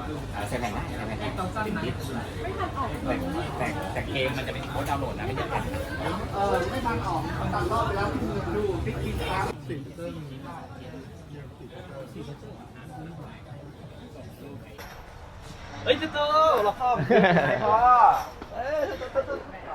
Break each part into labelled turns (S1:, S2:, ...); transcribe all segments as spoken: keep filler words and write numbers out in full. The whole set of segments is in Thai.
S1: ใส่แผ่นได้ใส่แผ่นได้ติดดิสแต่แต่แต่เกมมันจะเป็นโค้ดดาวน์โหลดนะไม่ใช่แผ่นเออไม่ทันออกตัดรอบไปแล้วที่มือดูติ๊กติ๊กครับเฮ้ยตุ๊ตุ๊เราพ่อไม่พอเอ้ยตุ๊ตุ๊ตุ๊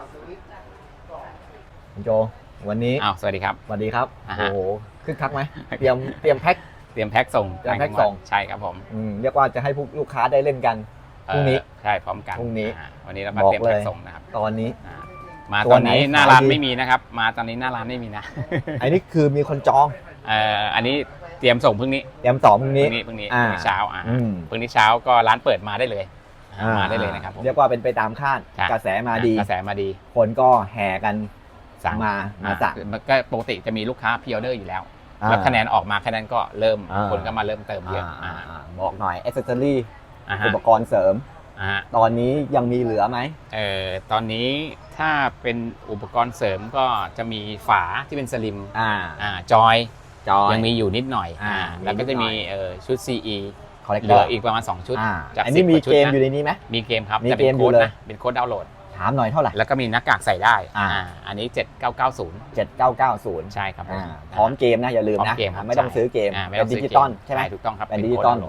S1: คุณโจวันนี้
S2: อ้าวสวัสดีครับ
S1: สวัสดีครับ
S2: โอ้
S1: โอ้โหคึกคักไหมเตรียมเตรียมแพ็ค
S2: เตรียมแพ็คส่ง
S1: เตรียมแพ็คส่ง
S2: ใช่ครับผม
S1: เรียกว่าจะให้พวกลูกค้าได้เล่นกันพรุ่งนี้
S2: ใช่พร้อมกัน
S1: พรุ่งนี้
S2: วันนี้เรามาเตรียมแพ็คส่งนะครับ
S1: ตอนนี้
S2: มาตอนนี้หน้าร้านไม่มีนะครับมาตอนนี้หน้าร้านไม่มีนะ
S1: อันนี้คือมีคนจอง
S2: เอ่ออันนี้เตรียมส่งพรุ่งนี้
S1: เตรียมส่งพรุ่งนี้
S2: พรุ่งนี้พรุ่งนี้เช้าอ่าพรุ่งนี้เช้าก็ร้านเปิดมาได้เลยมาได้เลยนะครับ
S1: เรียกว่าเป็นไปตามคาดกระแสมาดี
S2: กระแสมาดี
S1: คนก็แห่กันสั่งมามาสั่ง
S2: ก็ปกติจะมีลูกค้าพรีออเดอร์อยู่แล้วแล้วคะแนนออกมาคะแนนก็เริ่มคนก็มาเริ่มเติมเยอะ
S1: บอกหน่อยแอคเซสซอรี่อุปกรณ์เสริมตอนนี้ยังมีเหลือไหม
S2: เออตอนนี้ถ้าเป็นอุปกรณ์เสริมก็จะมีฝาที่เป็นสลิม
S1: อ่า
S2: อ่าจอยยังมีอยู่นิดหน่อยอ่าแล้วก็จะมีเออชุด ซี อี เหลืออีกประมาณสองชุด
S1: อันนี้มีเกมอยู่ในนี้ไหม
S2: มีเกมครับจะเป็นโค้ดนะเป็นโค้ดดาวน์โหลด
S1: ถามหน่อยเท่าไหร่
S2: แล้วก็มีหน้ากากใส่ได้อ่าอันนี้เจ็ดเก้าเก้าศูนย์
S1: เจ็ดเก้าเก้าศูนย์
S2: ใช่ครับ
S1: พร้อมเกมนะอย่าลืมนะไม่ต้องซื้อเกมเป็นดิจิตอลใช่ไหม
S2: ถูกต้องครับ
S1: เป็นดิจิตอล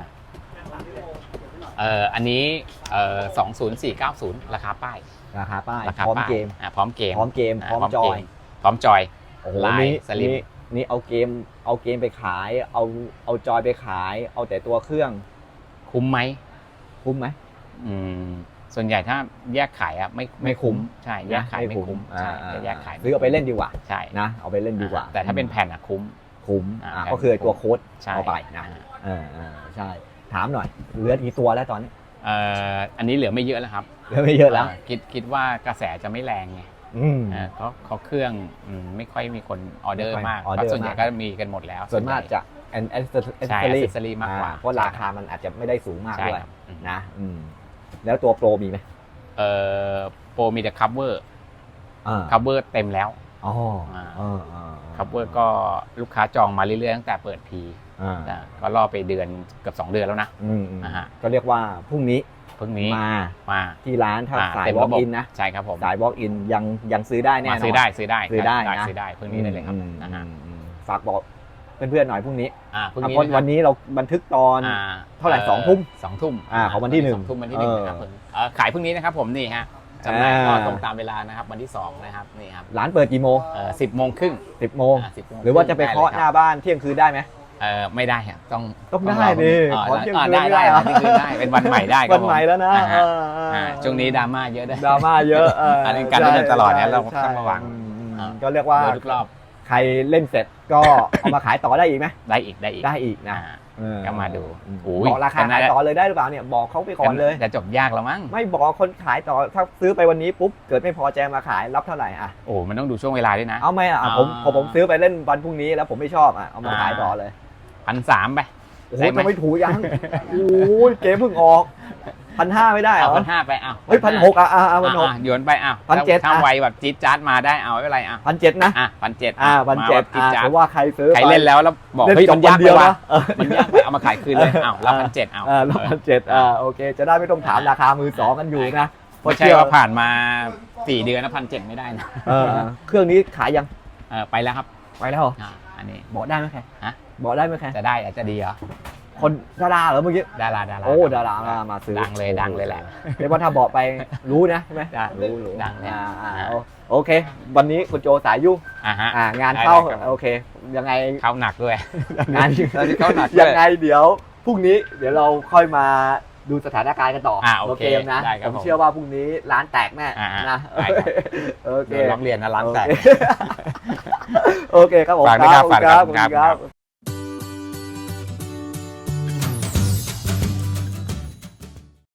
S2: เอ่ออันนี้เอ่อสองศูนย์สี่เก้าศูนย์ราคาป้าย
S1: ราคาป้ายพร้อมเกม
S2: อ่าพร้อมเกม
S1: พร้อมเกมพร้อมจอย
S2: พร้อมจอย
S1: ลายสลิมนี่เอาเกมเอาเกมไปขายเอาเอาจอยไปขายเอาแต่ตัวเครื่อง
S2: คุ้มไหม
S1: คุ้มไหม
S2: อืมส่วนใหญ่ถ้าแยกขายอ่ะไม่
S1: ไม่คุ้ม
S2: ใช่แยกขายไม่คุ้มใช่แยกขาย
S1: ซื้อเอาไปเล่นดีกว่า
S2: ใช่
S1: นะเอาไปเล่นดีกว่า
S2: แต่ถ้าเป็นแผ่นอ่ะคุ้ม
S1: คุ้มก็คือตัวโค้ดเอาไปนะเออใช่ถามหน่อยเหลือกี่ตัวแล้วตอนนี้
S2: เอ่ออันนี้เหลือไม่เยอะแล้วครับ
S1: เหลือไม่เยอะแล้ว
S2: คิดคิดว่ากระแสจะไม่แรงไงเพราะเขาเครื่องไม่ค่อยมีคนออเดอร์มากเพราะส่วนใหญ่ก็มีกันหมดแล้ว
S1: ส่วนมากจะแอนแอสเซอรี่
S2: มากกว่า
S1: เพราะราคามันอาจจะไม่ได้สูงมากด้วยนะแล้วตัวโปรมีไหม
S2: เอ่อโปรมีแต่คัฟเวอร์คัฟเวอร์เต็มแล้ว
S1: อ๋อ
S2: คัฟเวอร์ก็ลูกค้าจองมาเรื่อยๆตั้งแต่เปิดพีก็รอไปเดือนเกือบสองเดือนแล้วนะ
S1: ก็เรียกว่าพรุ่งนี้
S2: พรุ่งนี้
S1: มา
S2: มา
S1: ที่ร้านถ้าสาย walk in นะ
S2: ใช่ครับผม
S1: สาย walk in ยังยังซื้อได้แน่นอน
S2: ซื้อได้ซื้อได้
S1: ซื้อได้นะ
S2: ซื้อได้พรุ่งนี้ได้เลยครับ
S1: ฝากบอกเพื่อนๆหน่อยพรุ่งนี้
S2: พรุ่งนี้
S1: วันนี้เราบันทึกตอนเท่าไหร่สองทุ่ม
S2: สองทุ่ม
S1: ของวันที่หนึ่ง
S2: สองทุ่มวันที่หนึ่งนะครับขายพรุ่งนี้นะครับผมนี่ฮะจำหน่ายก็ตรงตามเวลานะครับวันที่สองนะครับนี่ครับ
S1: ร้านเปิดกี่โมง
S2: สิบโมงครึ่ง
S1: สิบโมงหรือว่าจะไปเคาะหน้าบ้านเที่ยงคืนได้ไหม
S2: เออไม่ได้ครับต้อง
S1: ต้องได้ดิ
S2: ขอเที่ยงคืนได้ได้ที่คืนได้เป็นวันใหม่ได้
S1: วันใหม่แล้วนะ
S2: ช่วงนี้ดราม่าเยอะด้วย
S1: ดราม่าเยอะ
S2: อันนี้การเล่นตลอดเนี่ยเราต้องระวัง
S1: ก็เรียกว่า
S2: ทุกรอบ
S1: ใครเล่นเสร็จก็เอามาขายต่อได้อีกไหม
S2: ได้อีกได้อีก
S1: ได้อีกนะ
S2: ก็มาดู
S1: บอกราคาขายต่อเลยได้หรือเปล่าเนี่ยบอกเขาไปก่อนเลย
S2: จะจบยากแล้วมั้ง
S1: ไม่บอกคนขายต่อถ้าซื้อไปวันนี้ปุ๊บเกิดไม่พอใจมาขายรับเท่าไหร่อ่ะ
S2: โอ้มันต้องดูช่วงเวลาด้วยนะ
S1: เอาไหมอ่ะผมผมซื้อไปเล่นวันพรุ่งนี้แล้วผมไม่ชอบอ่ะเอามาขายต่อเลย
S2: พันสามไป
S1: โอ้โหจะไม่ถูกยังโอ้ยเกมเพิ่งออกพันห้าไม่ได้เหรอ
S2: พันห้าไปอ้าว
S1: เฮ้ยพันหกอ่ะอ่ะพันหก
S2: โยนไปอ้าว
S1: พันเจ็ด
S2: ถ้าไวแบบจี๊ดจ๊าดมาได้เอาไม่เป็นไรอ่ะ
S1: พันเจ็ดนะ
S2: อ่ะพันเจ็ด
S1: อ่ะพันเจ็ดอ่ะเพราะว่าใครซื้อ
S2: ใครเล่นแล้วแล้วบอกเฮ้ยมันยากไปว่ะมันยากไปเอามาขายคืนเลยอ้าวรับพันเจ็ดเอา
S1: อ่ารับพันเจ็ดอ่าโอเคจะได้ไม่ต้องถามราคามือสองกันอยู่นะ
S2: ไม่ใช่ว่าผ่านมาสี่เดือนแล้วพันเจ็ดไม่ได้นะ
S1: เครื่องนี้ขายยัง
S2: เออไปแล้วครับ
S1: ไปแล้ว
S2: อันนี้
S1: บอกได้ไหมแค่
S2: ฮะ
S1: บอกได้ไหมแค่
S2: จะได้อาจจะดีเหรอ
S1: คนดาราเหรอเมื่อกี้
S2: ดาราดารา
S1: โอ้ดารามาซื้อ
S2: ดังเลยดังเลยแหละ
S1: เรียกว่าถ้าบอกไปรู้นะใช่ไหมรู้รู้
S2: ดังเลย
S1: โอเควันนี้คุณโจสายยุ่งงานเข้าโอเคยังไง
S2: เข้าหนักด้วย
S1: งานเข้าหนักยังไงเดี๋ยวพรุ่งนี้เดี๋ยวเราค่อยมาดูสถานการณ์กันต่อโอเคนะผมเชื่อว่าพรุ่งนี้ร้านแตกแน่นะ
S2: โอเคร้องเรียนนะร้านแตก
S1: โอเคครับผม
S2: ฝากด้วยครับฝากด้วยครับ